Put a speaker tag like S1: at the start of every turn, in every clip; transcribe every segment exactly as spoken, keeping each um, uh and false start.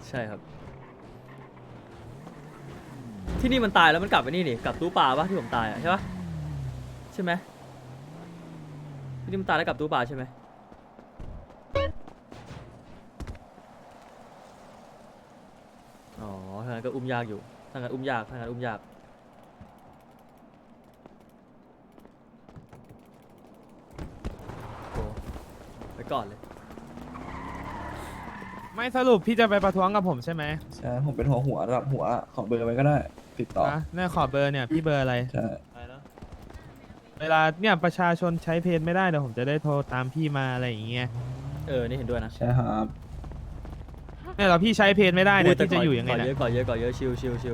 S1: ใช่ครับที่นี่มันตายแล้วมันกลับไปนี่นี่กลับตู้ปลาปะที่ผมตายอะใช่ปะใช่ไหมที่นี่มันตายแล้วกลับตู้ปลาใช่ไหมอ๋อทางนั้นก็อุ้มยากอยู่ทางนั้นอุ้มยากทางนั้นอุ้มยากโอ้ไปก่อนเลย
S2: ไม่สรุปพี่จะไปประท้วงกับผมใช่ไหม
S3: ใช่ผมเป็นหัวหัวระดับหัวขอเบอร์ไว้ก็ได้ติดต่อ
S2: นะเนี่ยขอเบอร์เนี่ยพี่เบอร์อะไร
S3: ใช่
S2: เวลาเนี่ยประชาชนใช้เพจไม่ได้เดี๋ยวผมจะได้โทรตามพี่มาอะไรอย่างเงี้ย
S1: เออนี่เห็นด้วยนะ
S3: ใช่ครับ
S2: เนี่ยเราพี่ใช้เพจไม่ได้เนี่ยพี่จะอยู่ยังไง
S1: ก่อน
S2: เนี่
S1: เย
S2: ย
S1: อะก่อนเยอะก่อนเยอะชิวชิวชิว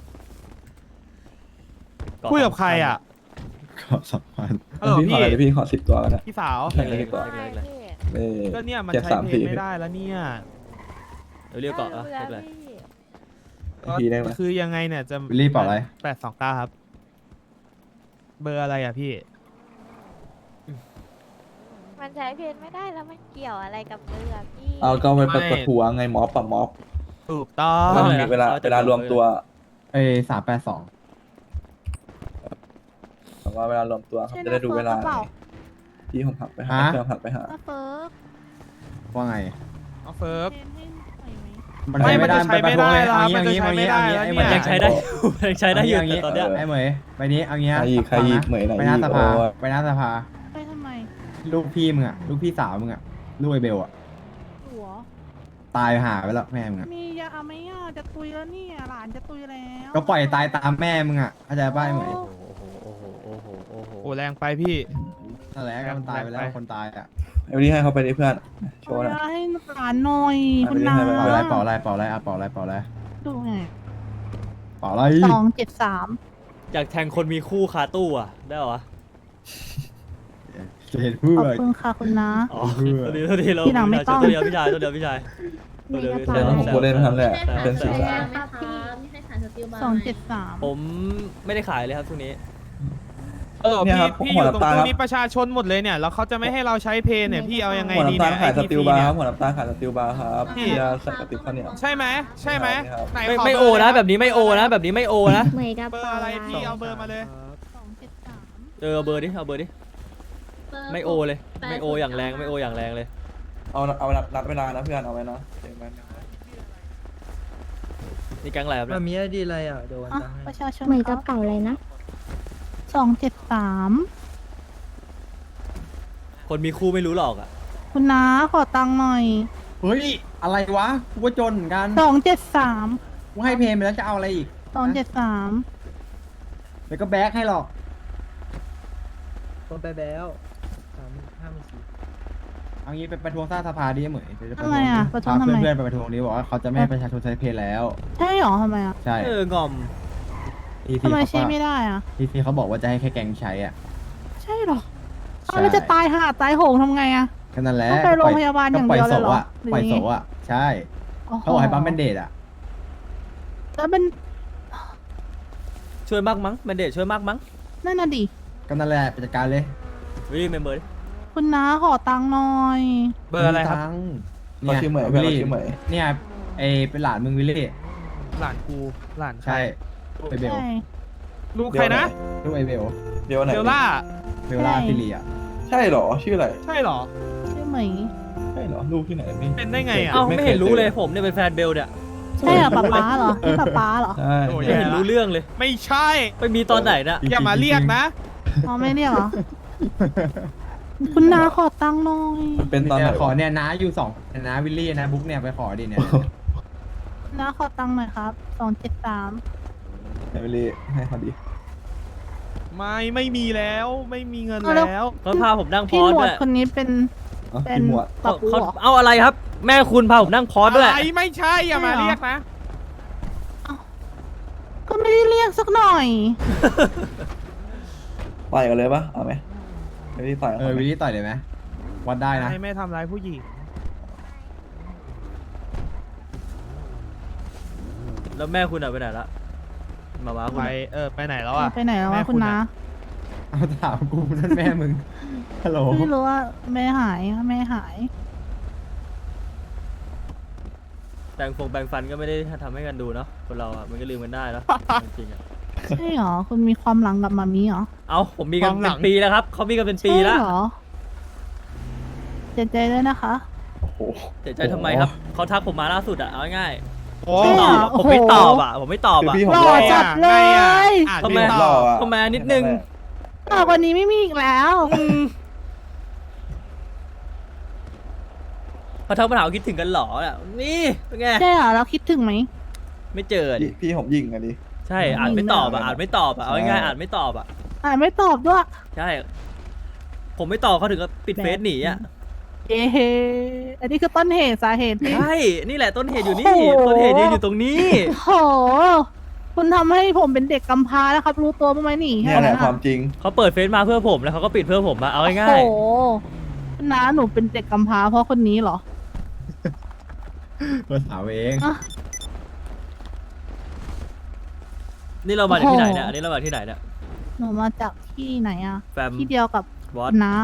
S2: คุยกับใครอ่ะ
S3: ขอสองพัน
S2: ฮัลโหล
S3: พี่ขอ
S2: พี่
S3: อะไรพี่ขอสิบตัวก็ได้
S2: พี่สาว
S3: เล็กๆกว่า
S1: เล็กๆเลย
S3: เลข
S2: ก็เนี่ยมัน
S3: เจ็ด
S2: ใช้
S3: สาม
S2: เพจ
S3: สี่
S2: ไม่ได้แล้วเนี่ย
S1: เดี๋ยวเรียกก่อนอ่ะเรียกอะไร
S3: พี่ได้ไหม
S2: คือยังไงเนี่ยจะ
S3: วิลลี่เปล่าอะไร
S2: แปดสองเก้าครับ เบอร์อะไรอ่ะพี่
S4: มันใช้เพนไม่ได้แล้วมันเกี่ยวอะไรกับเรือพี่
S3: เอาก็ไป
S2: ไม่
S3: ประท้วงไงม็อบปะม็อบ
S2: ถูกต้อง
S3: แล้วมันมีเวลาเวลารวมตัว
S5: เอ้สามแปดสอง
S3: แต่ว่าเวลารวมตัวครับจะได้ดูเวลาพี่ผมผักไปหาเพื่อนผักไปหา
S4: ก็เฟิร์ก
S5: ว่าไง
S2: เอาเฟิร์ก
S5: มัน
S2: ไม่
S5: ใช้ไม่ได้
S2: มันจะใช้ไม่ได้แล้วครับ
S5: เอางี้
S2: มันจะใช้ไม่ได้
S5: เอางี้
S2: แล้ว
S5: เอางี้
S1: มัน
S5: เอางี้
S1: ยังใช้ได้อยู่มันยังใช้ได้อยู่
S5: เอางี้
S1: แต่ตอนเนี้ย
S5: ไอ้เหมยไปนี้เอางี้
S3: ใครอีกใครอีกเหมยไหน
S5: ไปหน้า
S3: อีก
S5: ส
S3: โอ้
S5: ภาไปหน้าสภา
S4: ไปทำไม
S5: ลูกพี่มึงอะลูกพี่สาวมึงอะลูกไอเบลอะ
S6: หัว
S5: ตายหาไปแล้วแม่มึงอะ
S6: มียาไหมอ่ะจะตุยแล้วเนี่ยหลานจะตุยแล้ว
S5: ก็ปล่อยตายตามแม่มึงอะเข้าใจป่ะไอ้เหมย
S1: โอ้โหโอ้โหโอ้โหโอ้โห
S2: โอ้แรงไปพี่
S5: นั่นแหละก็มันตายไปแล้ว
S2: ไป
S5: คนตายอะ
S3: ไอ้วันนี้ให้เขาไปดิเพื่อนโชว์หน่อย
S6: เอาให้หลานหน่อย
S3: เอา
S6: คุณ
S3: ไป
S6: นา
S3: ให้ไป
S5: เป่าอะไรเป่าอะไรเป่าอะไรอะเป่าอะไรเป่าอะไร
S6: ดูไง
S5: เป่าอะไร
S6: สองเจ็ดสาม
S1: อยากแทงคนมีคู่คาตู้อ่ะได้เหรอวะ
S5: จะเห็นเพื่
S6: ข
S5: อ
S6: อบคุณค่ะคุณนา
S1: อ๋อตัวเดียวตัวเดียวเรา
S6: ทีหลังไม่ต้อง
S1: ตัวเดียวพี่ชายตัวเดียวพี่ชายตัวเดียวพี่
S3: เดี๋
S1: ชาย
S3: ยวผมพูดเล่นทำแหละเป็นสื่อสาร
S6: สองเจ็ดสาม
S1: ผมไม่ได้ขายเลยครับช่วงนี้
S2: เออ
S3: เนี่ย
S2: พี่
S3: ครับ
S2: พี่อ
S3: หัว
S2: ยู่ตรง
S3: น้ำตาล
S2: ตรง
S3: ครับ
S2: นี้ประชาชนหมดเลยเนี่ยแล้วเขาจะไม่ให้เราใช้เพย์เนี่ยพี่เอายังไง
S3: หัว
S2: ดี
S3: น้ำตา
S2: เนี่
S3: ล
S2: ย
S3: ขายส
S2: ไอ้
S3: ติล
S2: ที
S3: บาร์
S2: เนี่
S3: ครั
S2: ย
S3: บหัวน้ำตาลขายสติลบาร์ครับ
S2: พี่
S3: ยาใส่กระติบข้าวเหนียว
S2: ใช่ไหมใช่ไหม
S3: ครับ
S2: ไหน
S1: ไม่
S2: ข
S1: ไม่โอนะแบบนี้ไม่โอนะแบบนี้ไม่โอนะ
S4: เหมยกับ
S2: เบอร์อะไรพี่เอาเบอร์มาเลย
S6: สองเจ็ดสาม
S1: เออเอาเบอร์ดิเอาเบอร์ดิไม่โอเลยไม่โออย่างแรงไม่โออย่างแรงเลย
S3: เอาเอานัดเวลานะเพื่อนเอาไว้นะเดี๋ยวมัน
S1: นี่แก๊งอะไรครับ
S7: มั
S1: เนี่
S7: น
S1: ย
S7: มีไอดีอะไรอ่ะเดี๋ยววัน
S6: อ่ะ
S7: ตังค์ให้
S6: ประชาชน
S4: เหมย
S6: ค
S4: กั
S6: รั
S4: บบ เก่าอะไรนะ
S6: สองเจ็ดสาม
S1: คนมีคู่ไม่รู้หรอกอ่ะ
S6: คุณนาขอตังค์หน่อย
S5: เฮ้ยอะไรวะกูก็จนเหมือนกัน
S6: สองเจ็ดสาม
S5: กูให้เพลงไปแล้วจะเอาอะไรอีก
S6: สองเจ็ดสาม
S5: เดี๋ยวก็แบกให้หรอก
S7: คนไปแล้วสามห้าหมื่นสี่
S5: เอางี้ไปประท้วงสร้างสภาดิเหมยเดี๋ยวจะ
S6: ทำไมอ่ะประท้วง
S5: พา
S6: ทำไม
S5: เพื่อนๆไปประท้วงดิบอกว่าเขาจะไม่ให้ประชาชนใช้เพจแล้ว
S6: ใช่หรอทำไมอ่ะ
S5: ใช่
S1: เอองอม
S5: ทีที
S6: ทำไม
S5: เขา
S6: ใช้ไม่ได้อ่ะ
S5: ทีทีเขาบอกว่าจะให้แค่แก๊งใช้อ่ะ
S6: ใช่หรอ
S5: ใช่
S6: เอาแล้วจะตายห่าตายโหงทำไงอ่ะ
S5: ก็นั่นแหละ
S6: ต้องไปโรงพยาบาลอย่างเดียวเลยเหรอ
S5: ก็ปล่อยโสอะปล่อย
S6: หรือยังไง
S5: โสอะใช่
S6: โอ้โห
S5: เขาบอกให้ปั๊มเป็นเดทอ่ะ
S6: แล้วเป็น
S1: ช่วยมากมั้งแมนเดตช่วยมากมั้ง
S6: นั่นน่ะดิ
S5: ก็นั่นแหละไปจัดการเลย
S1: วิเมมเบอร์ดิ
S6: คุณน้าขอตังค์หน่อย
S2: เบอร์อะไรครับ
S5: ตังค์
S3: เขาชื่อเหมยเพื่อนเขาชื่อเหมย
S5: เนี่ยไอเป็นหลานมึงวิลลี่
S2: หลานกูหลานใคร
S5: ใช่ไอเบล
S6: ใช่
S2: ลูกใครนะ
S5: ลูกไอเบล
S3: เดี๋ยวไหน
S2: เบลล่า
S5: เบลล่าฟิลีอ่ะ
S3: ใช่เหรอชื่ออะไร
S2: ใช่เหรอ
S6: ชื่อเหมย
S3: ใช่เหรอลูกที่ไหนไม่
S2: เป็นได้ไงอ่ะ
S1: เอ้า
S3: ไม่
S1: ไม่
S3: เคย
S1: เห็นรู้
S3: เจอ
S1: เลยผมเนี่ยเป็นแฟนเบลเนี่ย
S6: ใช่เหรอป๊าป๊าเหรอนี่ป๊าป๊าเหรอ
S3: ใช่
S2: โอ้ย
S1: ไม่เห็นรู้เรื่องเลย
S2: ไม่ใช่
S1: ไปมีตอนไหนน่ะ
S2: อย่ามาเรียกนะ
S6: อ๋อไม่เรียกเหรอ คุณน้าขอตังค์หน่อย
S3: มันเป็นตอนไหน
S5: ยขอเนี่ยน้าอยู่สองน้าวิลลี่นะบุ๊กเนี่ยไปขอดิเนี่ย
S6: น้าขอตังค์หน่อยครับสองเจ็ดสาม
S3: ไหนไปเลยให้เขาดี
S2: ไม่ไม่มีแล้วไม่มีเงินแล้ว
S1: เขาพาผมนั่งพ
S6: พี่
S1: อส
S6: หมว
S1: ด้
S6: ด
S1: วย
S6: คนนี้เป็น
S3: เอา
S6: เป็น
S3: พี่หมวด
S6: ปะ
S1: เขา
S6: ปู
S1: เขา
S6: เหรอ
S1: เอาอะไรครับ แม่คุณพาผมนั่งพอสด้วย
S2: อะไรไม่ใช่อย่ามาเรียกนะ
S6: ก็ไม่ได้เรียกสักหน่อย
S3: ต่อยกันเลยปะเอาไหมไม่ได้ต่อย
S5: เออวิลลี่ต่อยเลยไหมวัดได้นะ
S2: ไม่ไม่ทำร้ายผู้หญิง
S1: แล้วแม่คุณอะไปไหนละมาว้าคุณ
S2: ไป
S1: อะ
S2: เออไปไหนแล้วอ่ะ
S6: ไปไหนแล้ว
S2: แม่
S6: วะ
S2: คุ
S6: คุณ ณ
S2: อะ
S6: น้า
S5: เอาถามกูนั่นแม่มึงฮัลโหล
S6: ไม่รู้ว่าแม่หายแม่หาย
S1: แต่งฟงแปรงฟันก็ไม่ได้ทำให้กันดูเนาะคนเราอ่ะมันก็ลืมกันได้เนาะจริงๆอ่ะ
S6: ใช่เหรอ คุณมีความหลังกับมามีเหรอ
S1: เอาผมมีกันเป็นปีแล้วครับเขามีกันเป็นปี
S6: ใช่
S1: แล้ว
S6: เหรอเจ็บใจด้วยนะคะ
S3: โอ้โห
S1: เสียใจทำไมครับเขาทักผมมาล่าสุดอ่ะเอาง่าย
S2: โอ้
S1: ๆไม่ตอบอะ
S6: โอ้
S1: ผม
S6: โห
S1: ไม่ตอบอ่ะผมไม่ตอบ
S3: คือ
S1: อ่ะ
S3: พี่ผม
S6: หล่
S3: ร
S6: อ
S3: อ
S6: จัดเลย
S2: อ่าน
S1: ทำไม
S2: ไม่ต
S3: ร
S2: อ
S3: อบ อะ
S1: เข้ามานิดนึง
S6: ต่อกว่านี้ไม่มีอีกแล้ว
S1: เขาทักมาถามว่าคิดถึงกันเหรออ่ะนี่เป็นไง
S6: ใช่เหรอเราคิดถึงไหม
S1: ไม่เจอดิ
S3: พี่พี่ผมยิงอะดิ
S1: ใช่อ่านไม่ตอบอ่ะอ่านไม่ตอบอ่ะเอาง่ายๆ
S3: ใช่
S1: อ่านไม่ตอบอ่ะ
S6: อ่านไม่ตอบด้วย
S1: ใช่ ผมไม่ตอบเขาถึงกับปิดเฟซหนีอ่ะ
S6: เย้อันนี้คือต้นเหตุสาเหตุที่
S1: ใช่นี่แหละต้นเหตุอยู่นี่
S6: โอ้โห
S1: ต้นเหตุยืนอยู่ตรงนี้
S6: โอ้โห คุณทำให้ผมเป็นเด็กกำพร้าแล้วครับ รู้ตัวบ้างไหมหนี
S3: เนี่ยแหละความจริง
S1: เขาเปิดเฟซมาเพื่อผมแล้วเขาก็ปิดเพื่อผมอะเอาง่าย
S6: โอ้โหคุณน้าหนูเป็นเด็กกำพร้าเพราะคนนี้เหรอ
S5: มาถามเอง
S6: อ่ะ
S1: ๆนี่เรามาจากที่ไหนเนี่ยอันนี้เรามาจากที่ไหนเนี่ย
S6: หนูมาจากที่ไหนอะ
S1: แฟม
S6: ที่เดียวกับ
S1: วอ
S6: คุ
S1: ต
S6: ณน้า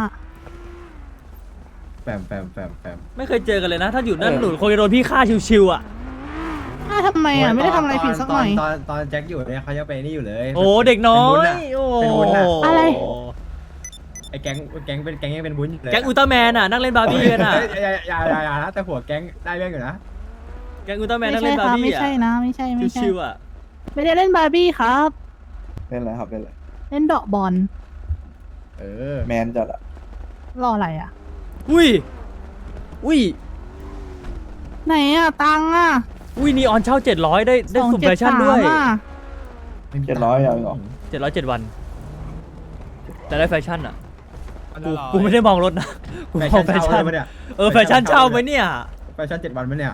S5: แฟมแฟมแฟมแฟม
S1: ไม่เคยเจอกันเลยนะ ถ้าอยู่นั่น
S3: เออ
S1: หนูคงจะโดนพี่ฆ่าชิวๆอ่ะ
S6: อ้าวทำไมอะไม่ได้ทำอะไรผิดสักหน่อย
S5: ตอนตอนแจ็คอยู่เนี่ยเขาจะไปนี่อยู่เลย
S1: โอ้เด็กน้อย
S5: เป็นวุ้นอะ
S1: โอ้
S6: อะไร
S5: ไอ้แก๊งแก๊งเป็นแก๊งยังเป็นวุ้นอยู่เลย
S1: แก๊งอุลตร้าแมนอ่ะนั่งเล่นบาร์บี้กันอ่ะ
S5: เฮ้ยอย่าอย่าอย่าอย่านะแต่หัวแก๊งได้เรื่องอยู่นะ
S1: แก๊งอุลตร้าแมน
S6: ไม่
S1: นั่ง
S6: ใช่
S1: เล่น
S6: ค
S1: บา
S6: รับ
S1: ร์บี้
S6: ไม่
S1: อ่ะ
S6: ใช่นะ ไม่ใช่ไม่ใช่
S1: ชิวๆอ่ะ
S6: ไม่ได้เล่นบาร์บี้ครับ
S3: เล่นอะไรครับเล่นอะไร
S6: เล่นเดอกบอล
S5: เออ
S3: แมนจัดอะ
S6: รออะไรอะ
S1: อุ้ยอุ้ย
S6: ไหนอะตังค์อะ
S1: อุ้ยนีออนเช่าเจ็ดร้อยได้ได้สุ่มแฟชั่นด้วย
S6: อะ
S3: เจ็ดร้อยเอาเหรอ
S1: เจ็ดร้อยเจ็ดวันแต่ได้แฟชั่นอ่ะกูกูไม่ได้มองรถนะกู
S5: แฟ
S1: มอง
S5: ชั่น
S1: แฟ
S5: เช่า
S1: ชั่น
S5: เลยปะเนี่ย
S1: เออแฟชั่นเช่าไหมเนี่ย
S5: แฟชั่นเจ็ดวันปะเนี่ย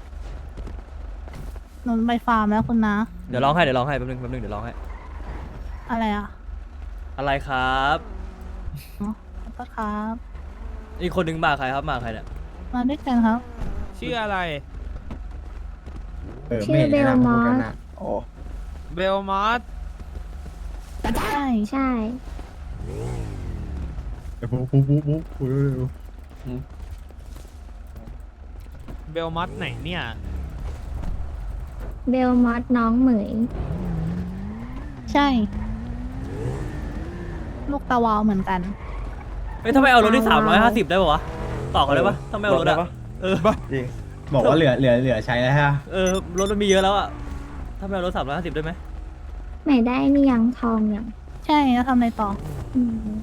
S6: หนูไปฟาร์มแล้วคุณนะ
S1: เดี๋ยวร้องให้เดี๋ยวร้องให้แป๊บนึงแป๊บนึงเดี๋ยวร้องให้
S6: อะไรอะ
S1: อะไรครับ
S6: อ๋อขอบคุณครับ
S1: อีกคนนึงมาใครครับมาใครเนี่ย
S6: มาด้วยกันครับ
S2: ชื่ออะไร
S5: เออไม่เห็นแนะนำพวกกันนะ
S3: โอ้
S2: เบลมอส
S6: ใช่
S4: ใช่
S5: เออปุ๊บปุ๊บปุ๊บปุ๊บปุ๊บ
S2: เบลมอสไหนเนี่ย
S4: เบลมอสน้องเหมย
S6: ใช่ ลูกตะวาวเหมือนกัน
S1: เฮ้ยทำไมเอารถที่สามร้อยห้าสิบได้ป่าวะต่อกันได้ปะทำไมเอารถ
S3: ได้
S1: อะ
S3: ปะ
S1: เออ
S3: จริง
S5: บอกว่าเหลือเหลือเหลือใช้แล้วฮะ
S1: เออรถมันมีเยอะแล้วอะทำไมเอารถสามร้อยห้าสิบได้ไหม
S4: ไหนได้นี่ยังทองยัง
S6: ใช่แล้วทำอะไรต่อ
S4: อืม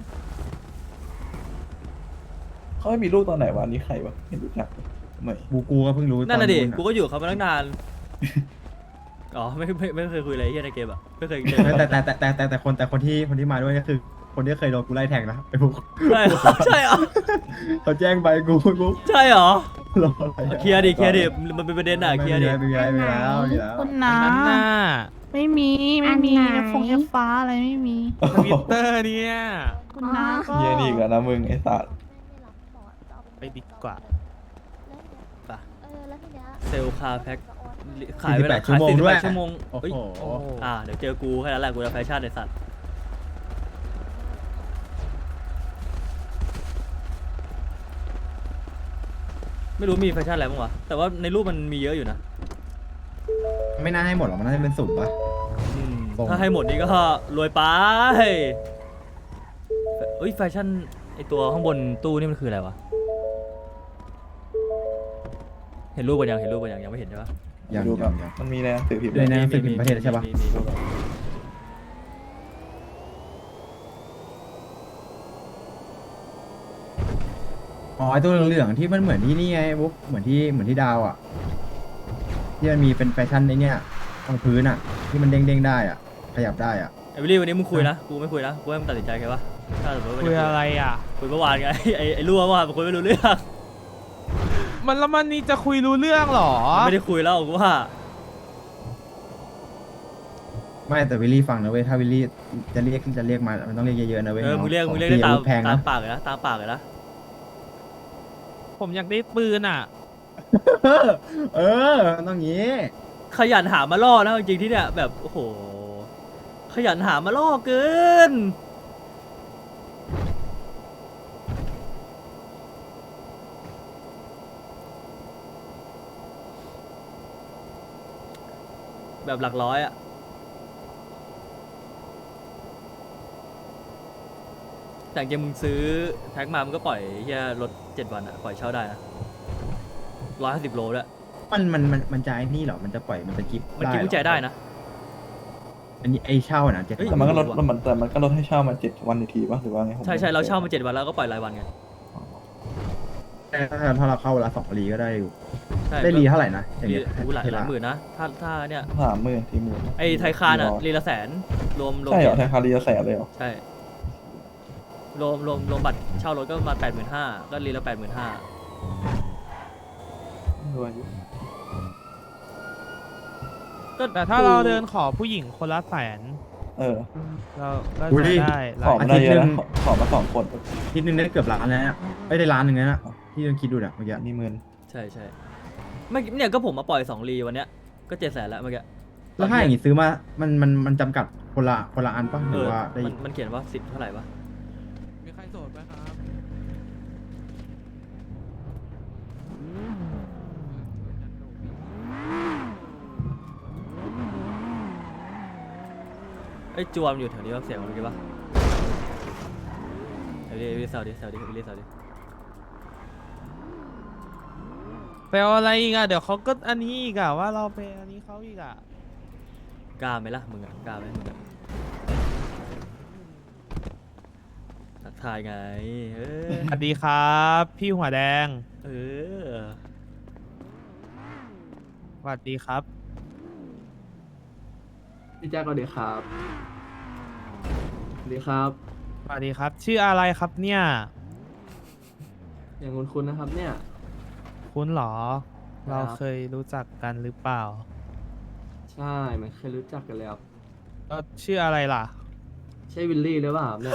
S3: เขาไม่มีลูกตอนไหนวะอันนี่ใครวะไม่รู้จักเลยไม่
S5: กูกูก็เพิ่งรู้
S1: นั่นน่ะดิ
S5: ตอ
S1: กูก็อยู่กับเขามาตั้งนานอ๋อไม่ไม่ไม่เคยคุยอะไรเฮียในเกมอะไม่เคยเจอ
S5: แต่แต่แต่แต่แต่แต่คนแต่คนที่คนที่มาด้วยก็คือ คนที่เคยโดนกูไล่แทงนะไอ้พวก
S1: ใช่เหรอใช่เหรอ
S5: เขาแจ้งไปกูกู
S1: ใช่เหรอ
S5: รออะไรอะ
S1: เคลียร์ดิเคลียร์ดิมันเป็นประเด็นอะเคลียร์ดิ
S5: ไม่มีอะไรไม่มีอะไรแล้วไม่มีแล้ว
S6: คุณ
S2: อั
S6: นะ
S2: นนั้นน่ะ
S6: ไม่มีไม่มีฟงเอฟฟ้าอะไรไม่มี
S2: ทวิตเตอร์เนี่ย
S6: คุณน้าก็
S3: เฮียนี่อีกแล้วนะมึงไอ้สัตว์
S2: ไปดีกว่า
S1: ป่ะ
S4: เออแล้วทีเนี้ย
S1: เซลคาแพ็คขายเวลา
S5: สี่สิบแปดชั่วโมงด้วย
S1: ขายสี่สิบแปดชั่วโมง
S5: โอ้
S1: เฮ้ย
S5: โห
S1: อ่าเดี๋ยวเจอกูแค่นั้นแหละกูจะแฟชั่นในสัตว์ไม่รู้มีแฟชั่นอะไรบ้างวะแต่ว่าในรูปมันมีเยอะอยู่นะ
S5: ไม่น่าให้หมดหรอกมันน่าจะเป็นสุ่มปะ
S1: อืม
S5: ตรง
S1: ถ้าให้หมดนี่ก็รวยไปเอ้ยแฟชั่นไอตัวข้างบนตู้นี่มันคืออะไรวะเห็นรูปกันยังเห็นรูปกันยังยังไม่เห็นใช่ปะ
S5: ยัง
S3: ดู
S5: ยั
S3: กั
S5: ง
S3: น
S5: ยัง
S3: มันมีในหนังสือพิมพ์
S5: เลย
S3: ด้วย
S5: นะ หนังสือพิมพ์ประเทศใช่ปะ
S1: มีมีมี
S5: อ๋อไอตัวเหลืองๆที่มันเหมือนที่นี่ไงบุ๊กเหมือนที่เหมือนที่ดาวอ่ะที่มันมีเป็นแฟชั่นในเนี้ยตรงพื้นอ่ะ ที่มันเด้งๆได้อ่ะ ขยับได้อ่ะ
S1: ไอวิลลี่วันนี้มึงคุยนะกูไม่คุยนะกูให้มึงตัดสินใจแค่ปะถ้าสมมติว่า
S2: คุยอะไรอ่ะ
S1: คุยเมื่อวานไง ไอไอรั่วเมื่อวานมันคุยไม่รู้เรื่อง
S2: มันแล้วมันนี่จะคุยรู้เรื่องเหรอ
S1: มันไม่ได้คุยแล้วกูว่า
S5: ไม่แต่วิลลี่ฟังนะเว้ยถ้าวิลลี่จะเรียกจะเรียกมามันต้องเรียกเยอะๆนะเว้ย
S1: เออ
S5: น้
S1: มึงเรียก
S5: ข
S1: มึ
S5: อง
S1: เรียกได้
S5: ฟ
S1: ตาม
S5: อาวุธแพง
S1: ตา
S5: นะ
S1: มปากเลยนะตามปากเลยนะ
S2: ผมอยากได้ปืนอ่ะ
S5: เออต้องงี้
S1: ขยันหามาล่อนะจริงๆที่เนี่ยแบบโอ้โหขยันหามาล่อเกินแบบหลักร้อยอะแต่จริงๆมึงซื้อแพ็คมามึงก็ปล่อยเฮียรถเจ็ดวันอะปล่อยเช่าได้นะร้อยห้าสิบโลด้วย
S5: มันมันมันมันจะไอ้นี่เหรอมันจะปล่อยมันจะกิฟ
S1: มันกินกุญแจได้นะ
S5: อันนี้ไอ้เช่านะเจ็ด
S1: เฮ้ย
S3: แต่มันก็ลดมันแต่มันก็ลดให้เช่ามาเจ็ดวันอีกทีป่ะหรือว่าไงผม
S1: ใช่ใช่เราเช่ามาเจ็ดวันแล้วก็ปล่อยรายวันไง
S5: ถ้าถ้าเราเข้าเวลาสองรีก็ได้อยู่
S1: ใช่
S5: ได้รีเท่าไหร่นะอย่าง
S1: รี
S5: เงี้ย
S1: อู้หลาย
S5: เท
S1: หลาย
S5: ระ
S1: หมื่นนะถ้าถ้าเนี่ย
S3: สามหมื่นสี่หมื่น
S1: ไอ้ไทยคานอะรีละแสนรวมรวม
S3: ใช่เหรอไทยคารีจะแสนเลยเหรอ
S1: ใช่รวมรวมรวมบัตรเช่ารถก็ประมาณแปดหมื่นห้าก็รีละแปดหมื่นห้าร
S3: วยอยู่
S1: ก็
S2: แต่ถ้าเราเดินขอผู้หญิงคนละแสน
S3: เออ
S2: เราก็
S5: อุ๊ย
S2: จะได้
S3: ขอ
S2: ราย
S3: มาได้เยอะ
S5: อาทิตย์หนึ่
S3: นะ
S5: ง
S3: ขอขอมาสองคน
S5: ทีนึงได้เกือบล้านแล้วเนี่ยไม่ได้ล้านหนึ่งแล้วนะที่ต้องคิดดูเนี่ยเมื่อกี้
S3: นี่หมื่น
S1: ใช่ใช่ไม่เนี่ยก็ผมมาปล่อยสองรีวันเนี้ยก็เจ็ดแสนแล้วเมื่อกี้
S5: แล้วถ้าอย่างงี้ซื้อมามันมันมันจำกัดคนละคนละอันป่ะห
S1: เอ
S5: รือ
S1: อ
S5: ว่าได้
S1: มันมันเขียนว่าสิบเท่าไหร่ปะ
S2: มีใครโสดไหมครับ
S1: ไอ้ยจวมอยู่แถวนี้ว่าเสียงมันเมื่อกี้ปะแถวนี้วิลลี่เซาดิเซาดิวิลลี่เซาดิ
S2: ไปเอาอะไรอีกอะเดี๋ยวเขาก็อันนี้อีกอะว่าเราไปอันนี้เขาอีกอะ
S1: กล้าไหมล่ะมึงอะกล้าไหมมึงอะทักทายไงเออ
S2: สวัสดีครับ พี่หัวแดง
S1: เออ
S2: สวัสดีครับ
S8: พี่แจ๊คสวัสดีครับสวัสดีครับ
S2: สวัสดีครับ ชื่ออะไรครับเนี่ย
S8: อย่างคุณคุณนะครับเนี่ย
S2: คุณเหรอ
S8: ครับ
S2: เราเคยรู้จักกันหรือเปล่า
S8: ใช่มันเคยรู้จักกันแล้ว
S2: ก็ชื่ออะไรล่ะ
S8: ใช่วิลลี่หรือเปล่าครับเนี่ย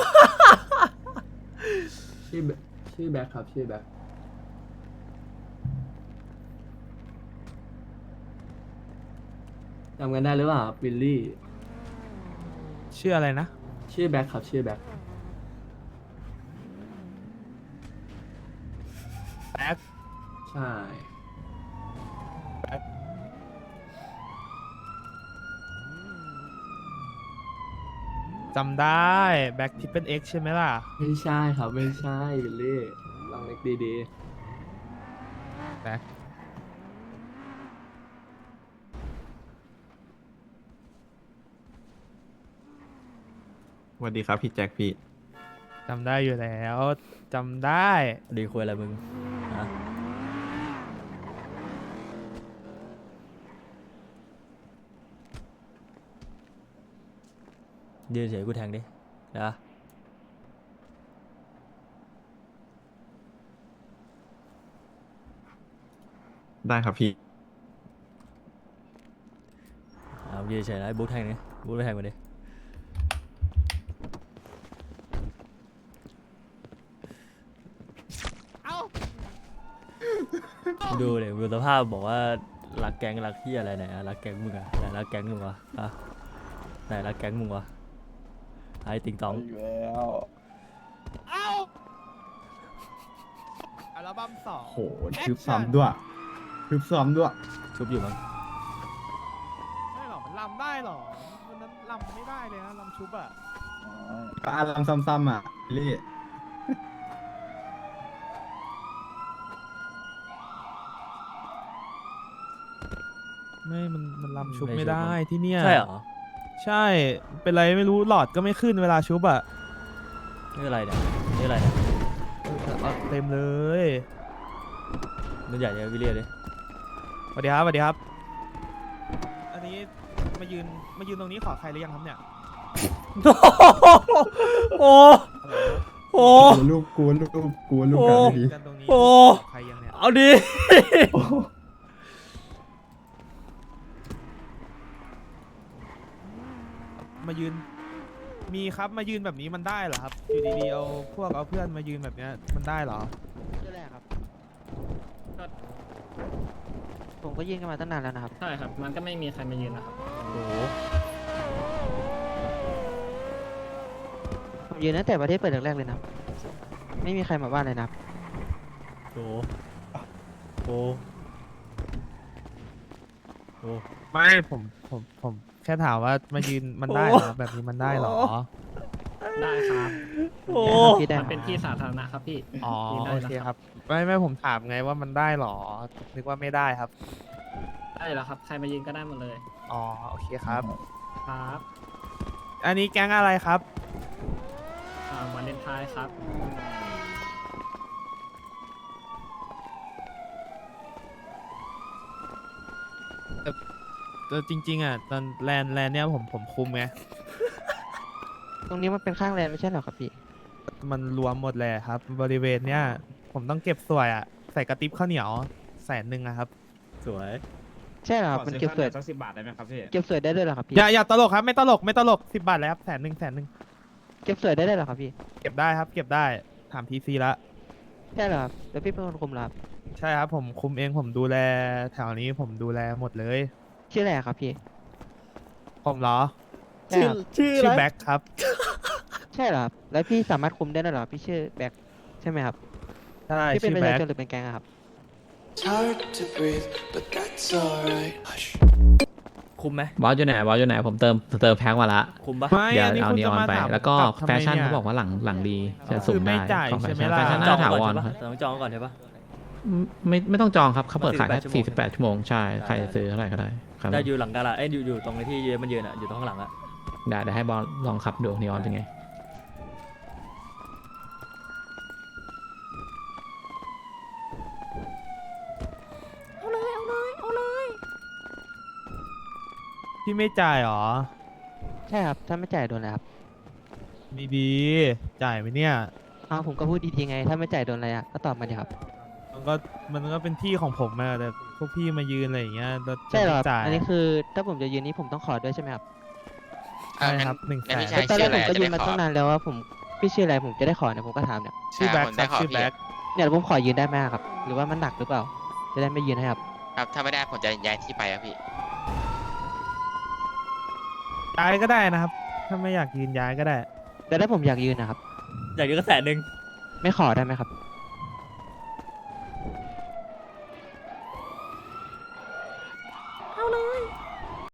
S8: ชื่อแบชื่อแบ็คครับชื่อแบ็คจำกันได้หรือเปล่าครับวิลลี่
S2: ชื่ออะไรนะ
S8: ชื่อแบ็คครับชื่อแบ็ค
S2: แบ็ค
S8: ใช่
S2: จำได้แบ็คที่เป็น X ใช่ไหมล่ะ
S8: ไม่ใช่ครับไม่ใช่วิลลี่ลองเล็กดี
S2: แบ็ค
S9: สวัสดีครับพี่แจ็คพี่
S2: จำได้อยู่แล้วจำได้
S1: ดีคุยอะไรมึงฮะยืนเฉยกูแทงดินะ
S9: ได้ครับพี่
S1: เอายืนเฉยนะไอ้บุ๊คแทงดิบุ๊คไปแทงมาดิดูเลยดูสภาพบอกว่ารักแก๊งรักที่อะไรไหนอะรักแก๊งมึงอะไหนรักแก๊งมึงวะอะไหนรักแก๊งมึงวะไอ้ติงตอง
S3: อยู่แล้ว
S2: อัลบั้มสอง
S5: โหทึบซ้ำด้วยทึบซ้ำด้วย
S1: ชุบอยู่มั้ง
S2: ไม่หรอกมันลำได้หรอวันนั้นลำไม่ได้เลยนะลำชุบอะ
S5: ก็อารมณ์ซ้ำๆอ่ะลี่
S2: ไม่มันมันลำชุบไม่ได้ที่เนี่ย
S1: ใช่เหรอ
S2: ใช่ เป็นไรไม่รู้หลอดก็ไม่ขึ้นเวลาชุบอะ
S1: นี่อะไรเนี่ยนี่อะไรเนี่ย
S2: เอาเต็มเลย
S1: นุ่นใหญ่เนี่ยวิลเลียดิ
S2: สวัสดีครับสวัสดีครับ อันนี้มายืนมายืนตรงนี้ขอใครหรือยังครับเนี่ย
S1: โอ้โห
S5: กลัวลูกกลัวลูกกลัวลูก
S1: โอ้
S5: กันไม่ดี
S2: กันตรงนี้
S1: โอ้
S2: ขอใครยังเนี่ย
S1: เอาดิ
S2: มายืน มีครับมายืนแบบนี้มันได้เหรอครับ อยู่ดีๆเอาพวกเอาเพื่อนมายืนแบบเนี้ยมันได้เหรอ
S10: ชื่อแรกครับ ผมก็ยื่นกันมาตั้งนานแล้วนะครับ
S7: ใช่ครับ มันก็ไม่มีใครมายืนนะครับ
S1: โอ้โห
S10: ผมยืนตั้งแต่ประเทศเปิดแรกๆเลยนะครับ ไม่มีใครมาบ้านเลยนะครับ
S1: โอ้โหโอ้โห
S2: ไม่ผมผมผมแค่ถามว่ามายืนมันได้เหรอแบบนี้มันได้เหรอ
S7: ได้ครับ
S1: โอ้
S10: พี่ได้
S7: มันเป็นที่สาธารณะครับพี่
S2: อ๋อ
S7: ยืนได้
S2: โอ
S7: นะ
S2: เคครับไม่ไม่ผมถามไงว่ามันได้เหรอนึกว่าไม่ได้ครับ
S7: ได้แล้วครับ ใครมายืนก็ได้หมดเลย
S2: อ๋อโอเคครับ
S7: ครับ
S2: อันนี้แก๊งอะไรครับ
S7: อ่าวันเลนไทน์ครับ
S2: แต่จริง ๆอ่ะตอนแลนแลนเนี่ยผมผมคุมไง
S10: ตรงนี้มันเป็นข้างแลนด์ไม่ใช่เหรอครับพี่
S2: มันรวมหมดเลยครับ บริเวณเนี้ยผมต้องเก็บสวยอ่ะใส่กระติบข้าวเหนียวแสนหนึ่งอะครับ
S1: สวย
S10: ใช่เหรอครับมันเก็บสวย
S8: สักสิบบาทได้ไหมครับพี่
S10: เก็บสวยได้ด้วยเหรอครับพี่
S2: อย่าอย่าตลกครับไม่ตลกไม่ตลกสิบบาทเลยครับแสนหนึ่งแสนหนึ่ง
S10: เก็บสวยได้ด้วยเหรอครับพี่
S2: เก็บได้ครับเก็บได้ถามทีซีละ
S10: ใช่เหรอครับแล้วพี่เป็นคนคุมเหรอครับ
S2: ใช่ครับผมคุมเองผมดูแลแถวนี้ผมดูแลหมดเลย
S10: ชื่ออะไรครับพี่
S2: ผมเหรอ
S10: ใช่ครับ
S1: ชื่อ
S2: ชื่อ
S1: อะไร
S2: แบ็คครับ
S10: ใช่เหรอครับแล้วพี่สามารถคุมได้ด้วยเหรอพี่ชื่อแบ็คใช่ไหมครับ
S2: ใช่
S10: พี่เป็น
S2: ชื่อ
S10: ประ
S2: แบ็
S10: ชา
S2: ค
S10: ชนหรือเป็นแก๊งอะครับ
S1: คุมไหม
S11: บอสอยู่ไหนบอสอยู่ไหนผมเติมเติมแพ็คมาละ
S1: คุมปะ
S2: ไม่
S11: เดี๋ยว
S2: อันนี้
S11: เอา
S2: คุณ
S11: นีอ
S2: จะ
S11: อน
S2: มา
S11: ไป
S2: ถาม
S11: แล้วก็
S2: ลับทำ
S11: แฟ
S2: ไม
S11: ชั่น
S2: เนี่ย
S11: เขาบอกว่าหลังหลังดีจะ
S2: คือ
S11: สุ่มได้
S2: ไม่จ่าย
S11: ของแฟ
S2: ใช่ไหม
S11: ชั่น
S2: ล่ะ
S11: แฟชั่น
S1: จ
S11: น่า
S1: อง
S11: ถา
S1: ก่อน
S11: วร
S1: ใช่ปะ
S11: ครับ
S1: ต้องจองก่อนใช่ปะ
S11: ไม่ไม่ต้องจองครับเขาเปิดขายแค่
S1: สี่
S11: สี่
S1: สิ
S11: สิ
S1: บบ แป
S11: แป
S1: ด
S11: ดชั่วโมงใช่ใครจะซื้อเท่าไหร่ก็ได้ครับ
S1: ได้อยู่หลังกาลาเอ้ยอยู่อยู่ตรงไอ้ที่ยืนมันยืนอ่ะอยู่ตรงข้างหลังอ่ะ
S11: ได้เดี๋ยวให้บอลลองขับดูนีออนเป็นไง
S6: เอาเลย เอาเลย เอาเลย
S2: พี่ไม่จ่ายเหรอ
S10: ใช่ครับถ้าไม่จ่ายโดนอะไรครับ
S2: ดีดีๆจ่ายไหมเนี่ย
S10: อ้าวผมก็พูดดีๆไง ถ้าไม่จ่ายโดนอะไรอ่ะก็ตอบมาดิครับ
S2: มันก็มันก็เป็นที่ของผมอะแต่พวกพี่มายืนอะไรอย่างเงี้ยแล้วจะ
S10: ใช่เหรอครับ
S2: ไม่จ่าย
S10: อันนี้คือถ้าผมจะยืนนี้ผมต้องขอด้วยใช่ไหมครับ
S2: ใช่ครับหนึ่งแสน
S10: แต่ตอนแรกผมก็ยืนมาตั้งนานแล้วว่าผมพี่ชื่ออะไรผมจะได้ขอเนี่ยผมก็ถามเนี่ย
S2: ชื่อแบ็คครับชื่อแบ็ค
S10: เนี่ยผมขอยืนได้ไหมครับ หรือว่ามันหนักหรือเปล่า จะได้ไม่ยืนให้ครับ
S12: ครับถ้าไม่ได้ผมจะย้ายที่ไปครับพี่
S2: ย้ายก็ได้นะครับ ถ้าไม่อยากยืนย้ายก็ได้
S10: แต่ถ้าผมอยากยืนนะครับ
S1: อยากยืนก็แสนหนึ่ง
S10: ไม่ขอได้ไหมครับ